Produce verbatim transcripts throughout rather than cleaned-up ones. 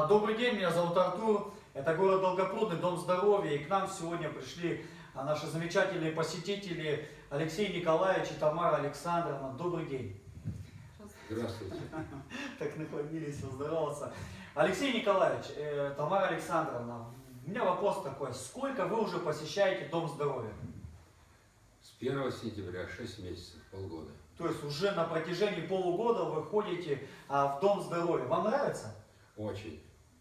Добрый день, меня зовут Артур, это город Долгопрудный, Дом здоровья, и к нам сегодня пришли наши замечательные посетители Алексей Николаевич и Тамара Александровна. Добрый день. Здравствуйте. Так наклонились поздороваться. Алексей Николаевич, э, Тамара Александровна, у меня вопрос такой, сколько вы уже посещаете Дом здоровья? С первого сентября, шесть месяцев, полгода. То есть уже на протяжении полугода вы ходите а, в Дом здоровья. Вам нравится? Очень.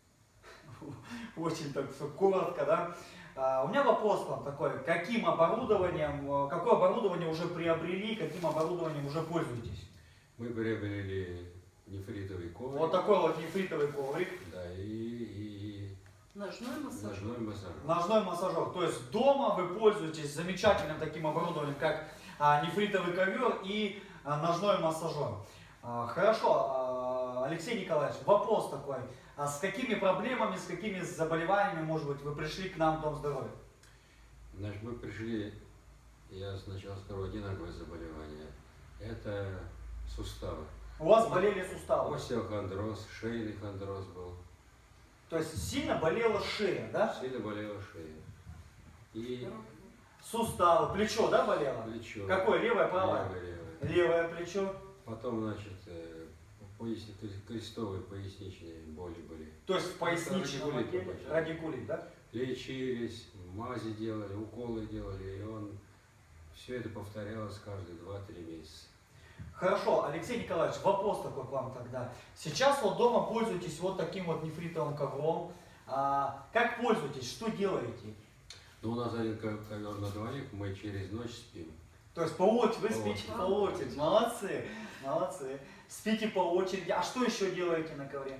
Очень так все коротко, да? А, у меня вопрос к вам такой, каким оборудованием, какое оборудование уже приобрели, каким оборудованием уже пользуетесь? Мы приобрели нефритовый коврик. Вот такой вот нефритовый коврик. Да, и, и, Ножной массаж. ножной массажер. Ножной массажер. То есть дома вы пользуетесь замечательным таким оборудованием, как а, нефритовый ковер и а, ножной массажер. А, хорошо, а, Алексей Николаевич, вопрос такой. А с какими проблемами, с какими заболеваниями, может быть, вы пришли к нам в Дом здоровья? Значит, мы пришли, я сначала скажу, одинаковое заболевание. Это суставы. У вас болели суставы? Остеохондроз, шейный хондроз был. То есть сильно болела шея, да? Сильно болела шея. И Суставы, плечо, да, болело? плечо. Какое, левое, правое? Левое, левое. Левое плечо. Потом, значит, э, пояс- крестовые поясничные боли были. То есть в поясничном Радикулит отделе, обычно. радикулит, да? Лечились, мази делали, уколы делали, и он все это повторялось каждые два-три месяца. Хорошо, Алексей Николаевич, вопрос такой к вам тогда. Сейчас вот дома пользуетесь вот таким вот нефритовым ковром. А, как пользуетесь, что делаете? Ну, у нас один ко- ковер на двоих, мы через ночь спим. То есть по очереди, вы По спите очереди. по очереди, молодцы, молодцы. Спите по очереди. А что еще делаете на ковре?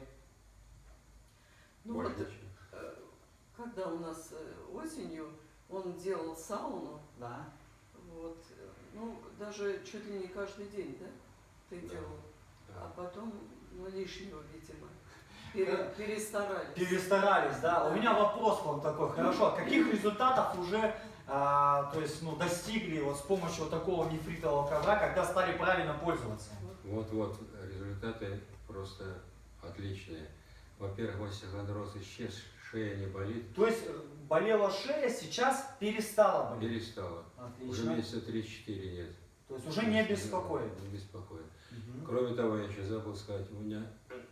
Ну Больше вот, ничего. э, когда у нас э, осенью он делал сауну, Да. вот, э, ну, даже чуть ли не каждый день, да, ты Да. делал, а Да. потом, ну, лишнего, видимо, пере- перестарались. Перестарались, да. У меня вопрос к вам такой. Хорошо, каких результатов уже а, то есть, ну, достигли вот с помощью вот такого нефритового ковра, когда стали правильно пользоваться? Вот-вот, результаты просто отличные. Во-первых, остеохондроз исчез, шея не болит, То есть э, болела шея, сейчас перестала болеть. перестала. Уже Отлично. месяца три-четыре нет. То есть уже не беспокоит. Не беспокоит. Мгм. Кроме того, я еще забыл сказать, у меня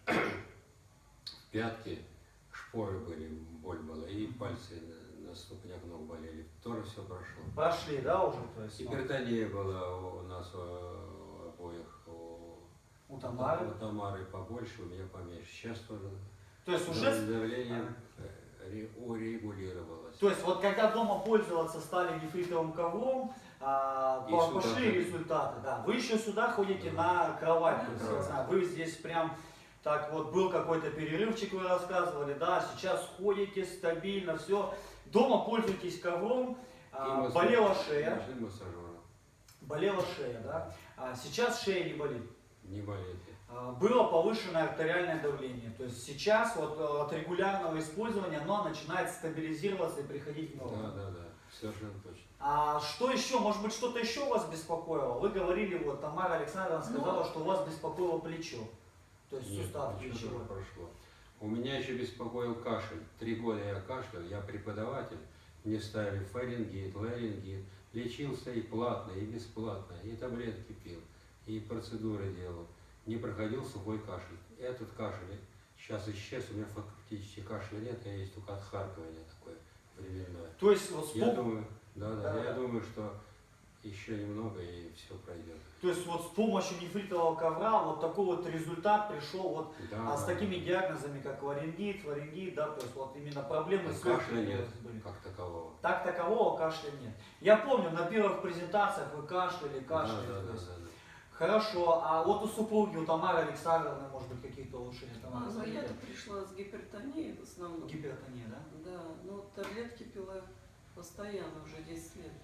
в пятке шпоры были, боль была, и пальцы на, на ступнях ног болели. Тоже все прошло. Прошли, да, уже? То есть, ну, Гипертония была у нас у, у обоих, у, у Тамары. у Тамары побольше, у меня поменьше. Сейчас тоже То есть уже... давление э, ре- урегулировалось. То есть вот когда дома пользоваться стали нефритовым ковром, а, И по- сюда пошли ходите. результаты, да. Вы еще сюда ходите Да. на кровать, то есть, Да. я знаю, вы здесь прям, так вот, был какой-то перерывчик, вы рассказывали, да, сейчас ходите стабильно, все. Дома пользуетесь ковром, а, массаж- болела шея, ночным массажером. болела шея, да. А сейчас шея не болит. Не болите. А, Было повышенное артериальное давление. То есть сейчас вот э, от регулярного использования оно начинает стабилизироваться и приходить в норму. Да, да, да, совершенно точно. А что еще? Может быть, что-то еще вас беспокоило? Вы говорили, вот Тамара Александровна сказала, Ну, что у вас беспокоило плечо. То есть Нет, сустав ничего плечевой. тоже прошло. У меня еще беспокоил кашель. Три года я кашлял, я преподаватель. Мне ставили фарингит, ларингит. Лечился и платно, и бесплатно, и таблетки пил, и процедуры делал. Не проходил сухой кашель. Этот кашель сейчас исчез, у меня фактически кашля нет, а есть только отхаркивание такое временное. То есть, вот с Я пом- думаю, да, да, Да. я думаю, что еще немного и все пройдет. то есть вот с помощью нефритового ковра вот такой вот результат пришел вот Да, а, с да, такими да. диагнозами, как ларингит, фарингит, да, то есть вот именно проблемы А с кашля легкими нет, были. как такового. Так такового кашля нет. Я помню, на первых презентациях вы кашляли, кашляли. Да, да, то да, есть. да, да. Хорошо, а вот у супруги, у Тамары Александровны, может быть, какие-то улучшения? Тамара, ну, смотрите. я-то пришла с гипертонией в основном. Гипертония, да? Да, ну таблетки пила постоянно уже десять лет.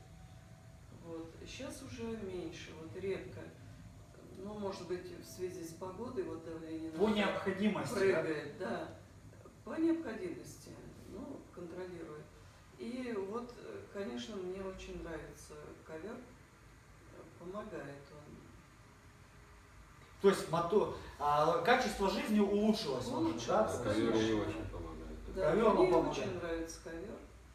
Вот. Сейчас уже меньше, вот редко. Ну, может быть, в связи с погодой вот давление По иногда необходимости, да? прыгает, да. По необходимости, ну, контролирует. И вот, э, конечно, мне очень нравится ковер, помогает он. То есть мотор, а, качество жизни улучшилось. ваше, Улучшилось, да? Да, То ковер есть ей очень помогает. Да, Ковер мне вам очень помогает. нравится ковер.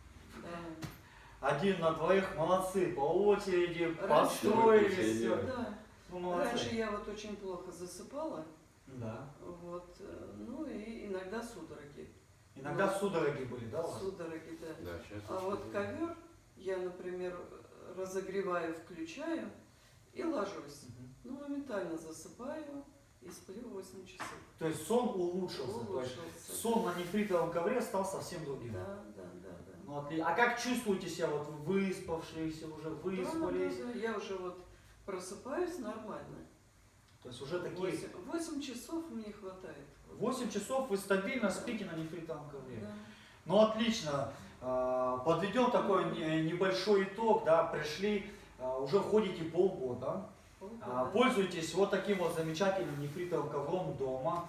Да. Один на двоих, молодцы, по очереди, Раньше- построились, Раньше- все. Да. Ну, молодцы. Раньше я вот очень плохо засыпала, Да. вот, э, ну и иногда судороги. Иногда Вот. судороги были, да, у вас? Судороги, да. Да, сейчас А вот ковер я, например, разогреваю, включаю и ложусь. Мгм. Ну, моментально засыпаю и сплю восемь часов. То есть сон улучшился. То есть Улучшился. сон на нефритовом ковре стал совсем другим. Да, да, да, да. Ну, отли- А как чувствуете себя, вот выспавшиеся, уже выспались? Да, да, да, я уже вот просыпаюсь нормально. То есть уже такие... Восемь, восемь часов мне хватает. восемь часов вы стабильно спите на нефритовом ковре. Да. Ну отлично. А, Подведем такой не- небольшой итог, да, пришли, а, уже ходите полгода, Полгода. а, пользуйтесь вот таким вот замечательным нефритовым ковром дома,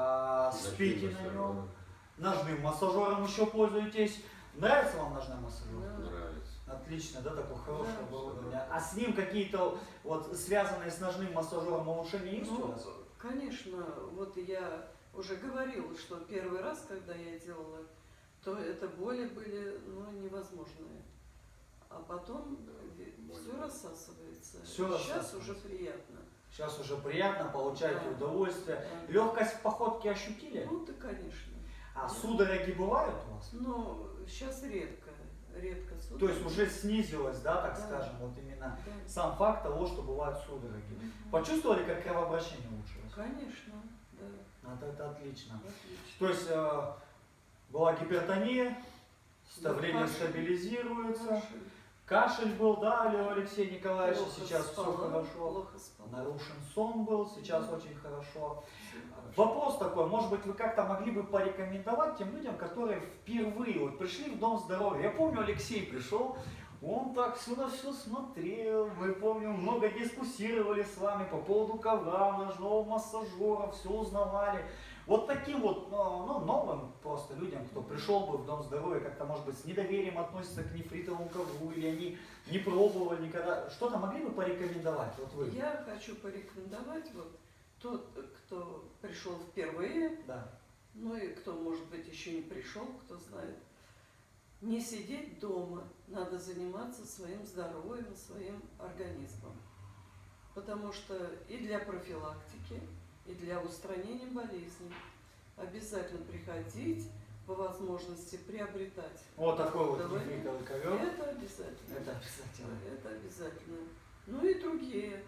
а, спите на нем, ножным массажером еще пользуетесь. Нравится вам ножной массажер? Да. Нравится. Отлично, да, такое хорошее Да. оборудование. А с ним какие-то вот связанные с ножным массажером улучшения есть у Ну, вас? конечно, вот я уже говорила, что первый раз, когда я делала, то это боли были, ну, невозможные. А потом боли. все рассасывается. Всё Сейчас рассасывается. уже приятно. Сейчас уже приятно, получаете Да. удовольствие. Да. Легкость в походке ощутили? Ну, да, конечно. А судороги бывают у вас? Но сейчас редко, редко То судороги. есть уже снизилось, да, так Да. скажем, вот именно Да. сам факт того, что бывают судороги. Мгм. Почувствовали, как кровообращение улучшилось? Конечно, да. Вот это отлично. Отлично. То есть э, была гипертония, давление кашель. стабилизируется, Кашель. кашель был, да, Лев Алексей Николаевич, Плохо сейчас все спала, хорошо. Плохо спала. Нарушен сон был, сейчас Да. очень хорошо. Всё хорошо. Вопрос такой, может быть, вы как-то могли бы порекомендовать тем людям, которые впервые вот пришли в Дом здоровья. Я помню, Алексей пришел, он так все на все смотрел, мы помню, много дискуссировали с вами по поводу ковра, ножного массажера, все узнавали. Вот таким вот, ну, ну, новым просто людям, кто пришел бы в Дом здоровья, как-то, может быть, с недоверием относятся к нефритовому ковру, или они не пробовали никогда, что-то могли бы порекомендовать? Вот вы. Я хочу порекомендовать вот тот, кто пришел впервые, Да. ну и кто, может быть, еще не пришел, кто знает, не сидеть дома, надо заниматься своим здоровьем, своим организмом. Потому что и для профилактики, и для устранения болезней обязательно приходить, по возможности приобретать. Вот такой вот Давай. нефритовый ковер. Это обязательно. Это обязательно. Это обязательно. Ну и другие.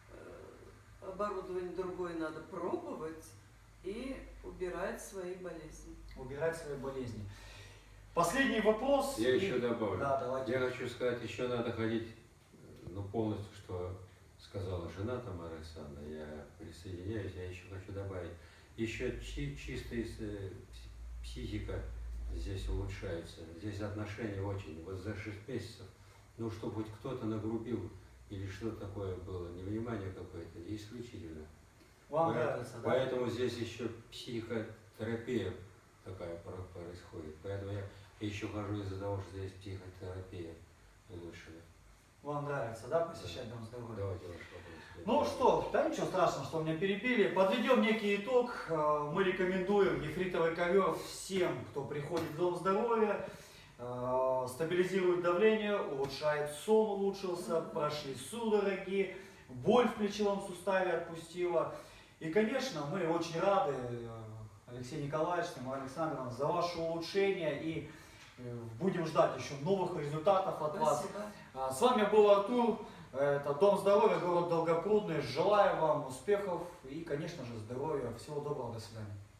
э, Оборудование другое надо пробовать и убирать свои болезни. Убирать свои болезни. Последний вопрос. Я И- еще добавлю. Да, давайте. Я хочу сказать, еще надо ходить, ну, полностью, что сказала жена Тамара Александровна, я присоединяюсь, я еще хочу добавить. Еще чи- чисто из, э, пс- психика здесь улучшается, здесь отношения очень, вот за шесть месяцев, ну, чтобы хоть кто-то нагрубил или что-то такое было, невнимание какое-то, исключительно. Вам Поэт- нравится, да? Поэтому здесь еще психотерапия такая про- происходит. Поэтому я еще хожу из-за того, что здесь психотерапия улучшена. Вам нравится, да, посещать Дом здоровья? Давайте ваш вопрос. Ну что, да ничего страшного, что меня перебили. Подведем некий итог. Э, Мы рекомендуем нефритовый ковер всем, кто приходит в Дом здоровья. Э, Стабилизирует давление, улучшает сон, улучшился, прошли судороги, боль в плечевом суставе отпустила. И, конечно, мы очень рады, э, Алексей Николаевич, Тамара Александровна, за ваше улучшение и э, будем ждать еще новых результатов от вас. Спасибо. А, С вами был Артур, это Дом здоровья, город Долгопрудный. Желаю вам успехов и, конечно же, здоровья. Всего доброго, до свидания.